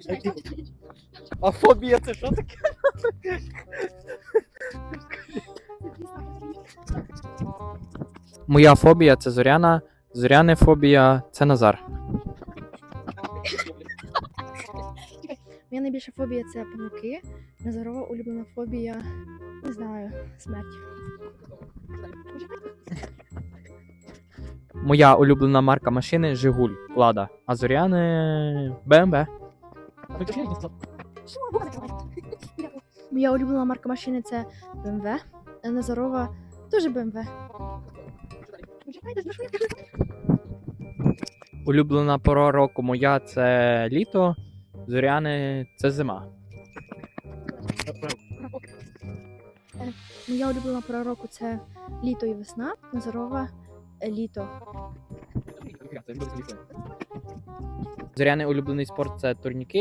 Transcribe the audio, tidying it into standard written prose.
А фобія це що таке? Моя фобія це Зоряна, Зоряне фобія це Назар. Моя найбільша фобія це павуки. Назарова улюблена фобія, не знаю, смерть. Моя улюблена марка машини Жигуль, Лада, а Зоряне БМВ. Моя улюблена марка машини це BMW, а Назарова теж BMW. Улюблена пора року моя це літо, Зоряне це зима. Моя улюблена пора року це літо і весна, Назарова літо. Зоряний улюблений спорт це турніки.